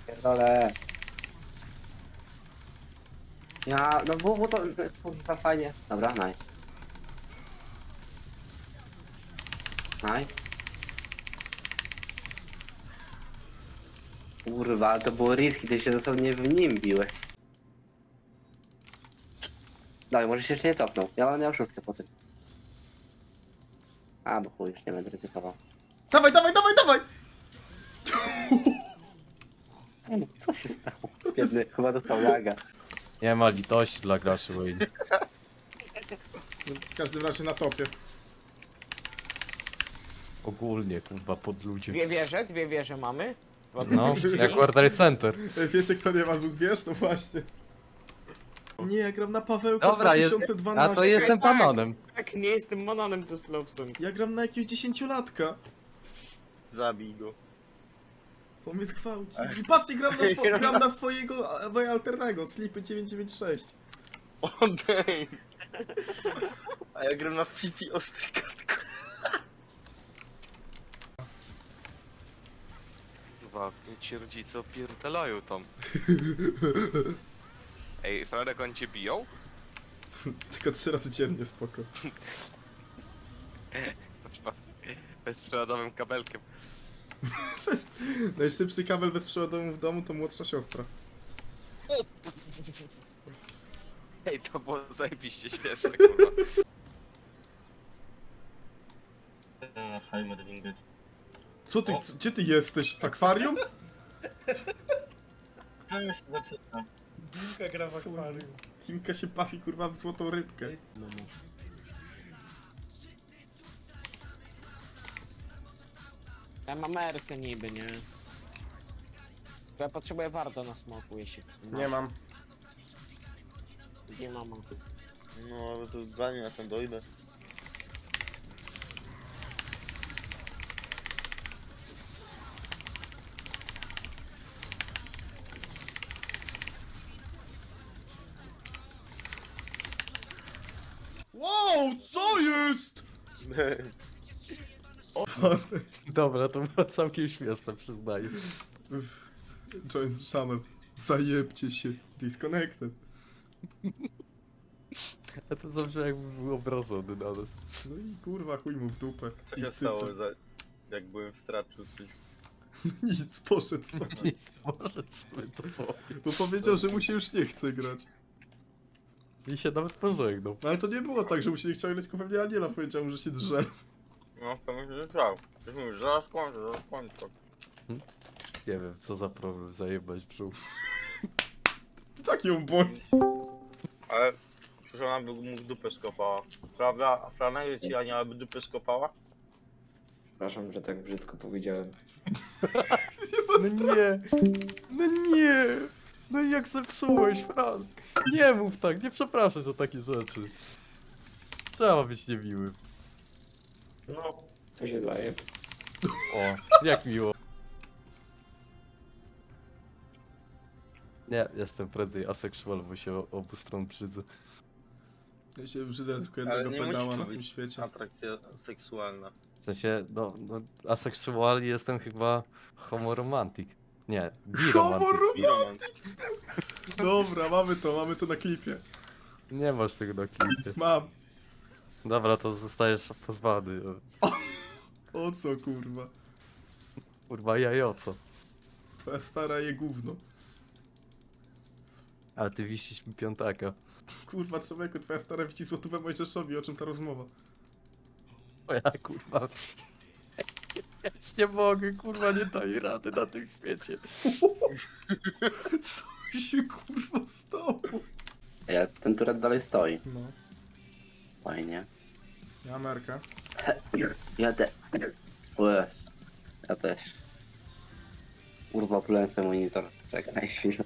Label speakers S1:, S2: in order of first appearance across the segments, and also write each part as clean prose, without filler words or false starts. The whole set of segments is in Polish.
S1: Pierdolę. Ja, no bo to kurwa fajnie. Dobra, nice. Nice. Kurwa, ale to było riski, ty się dosłownie w nim biłeś. Dawaj, może się jeszcze nie cofnął. Ja mam miał szóstkę po tym. A, bo chuj, już nie będę ryzykował.
S2: Dawaj, dawaj, dawaj, dawaj!
S1: Co się stało? Biedny, chyba dostał laga.
S3: Nie ma litości dla graczy Wayne.
S2: W każdym razie na topie.
S3: Ogólnie, kurwa, pod ludzi.
S4: Dwie wieże mamy.
S3: No, jak Quarter Center.
S2: Wiecie kto nie ma dwóch wież? No właśnie. Nie, ja gram na Pawełka
S3: Dobra, jest,
S2: 2012.
S3: a to jestem
S4: Tak.
S3: panonem.
S4: Tak, nie jestem mononem to Slowson.
S2: Ja gram na jakiegoś 10-latka.
S5: Zabij go.
S2: On mnie zgwałci. I patrzcie, gram na swojego moja alternego, Slipy 996.
S5: Odejdź! A ja gram na Fifi Ostrykatko.
S6: Kurwa, ci rodzice opierdalają tam. Ej, Franek, oni cię biją?
S2: Tylko 3 razy dziennie, spoko.
S6: Bezprzewodowym kabelkiem.
S2: Najszybszy kabel bezprzewodowy w domu to młodsza siostra.
S6: Ej, to było zajebiście śmieszne, kurwa.
S2: Co ty, gdzie ty jesteś? Akwarium?
S5: To już zaczyna.
S2: Timka gra w akwarium. Timka się bawi kurwa w złotą rybkę.
S4: Ja mam Erkę niby, nie? Ja potrzebuję warto na smoku, jeśli...
S2: Nie mam.
S4: Nie mam.
S5: No, ale to zanim ja tam dojdę.
S2: Wow, co jest?
S3: Dobra, to było całkiem śmieszne, przyznaję.
S2: Join channel. Zajebcie się. Disconnected.
S3: A to zawsze jakby był obrażony na nas.
S2: No i kurwa chuj mu w dupę.
S5: Co
S2: I
S5: się
S2: w
S5: stało,
S2: cyce.
S5: jak byłem w straczu? Coś...
S2: Nic, poszedł sobie.
S3: Nic, może sobie to sobie.
S2: Bo powiedział, że mu się już nie chce grać.
S3: I się nawet pożegnał.
S2: No ale to nie było tak, że mu się nie chciał grać, tylko pewnie Aniela powiedział mu, że się drze.
S5: No, to myślę, że tak. Ktoś mówi, zaraz kończę, zaraz kończę.
S3: Nie wiem, co za problem, zajebać brzuch.
S2: Tak ją boli.
S5: Ale przecież ona by mu w dupę skopała. Prawda? A Franek, że ci Ania by dupę skopała?
S1: Przepraszam, że tak brzydko powiedziałem.
S3: No nie! No nie! No i jak zepsułeś, Frank? Nie mów tak, nie przepraszasz o takie rzeczy. Trzeba być niemiłym.
S1: No, to się zdaje.
S3: O, jak miło. Nie, jestem prędzej aseksual, bo się obu stron brzydzę.
S2: Ja się brzydzę tylko
S5: Ale
S2: jednego
S5: nie
S2: pedała
S5: musi
S2: na
S5: to
S2: tym
S5: być
S2: świecie.
S5: atrakcja seksualna.
S3: W sensie, no aseksual jestem chyba homoromantik. Nie, biromantik.
S5: Biroman.
S2: Dobra, mamy to na klipie.
S3: Nie masz tego na klipie.
S2: Mam.
S3: Dobra, to zostajesz pozwany.
S2: O co kurwa?
S3: Kurwa, jajoco.
S2: Twoja stara je gówno.
S3: Ale ty wisisz mi piątaka.
S2: Kurwa człowieku, twoja stara widzi złotówę Mojżeszowi, o czym ta rozmowa?
S3: O ja kurwa. Ja już nie mogę, kurwa, nie daję rady na tym świecie.
S2: Co się kurwa stało?
S1: Ja, ten turet dalej stoi.
S2: No,
S1: Fajnie.
S2: ja Amerykę.
S1: Ja te... Łez. Ja też. Kurwa, oplułem sobie monitor. Czekaj chwilę.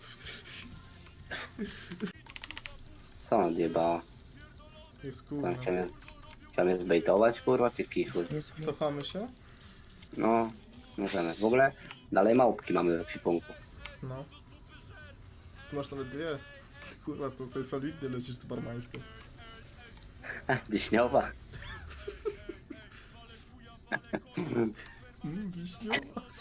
S1: Co ona odjebała?
S2: Jest
S1: Co,
S2: kurwa.
S1: chciał mnie zbejtować, kurwa, czy kichły?
S2: Cofamy się?
S1: No, możemy. W ogóle dalej małpki mamy w ekwipunku.
S2: No. Tu masz nawet dwie. Kurwa, to sobie solidnie lecisz z barmańską.
S1: Wiśniowa.
S2: Wiśniowa.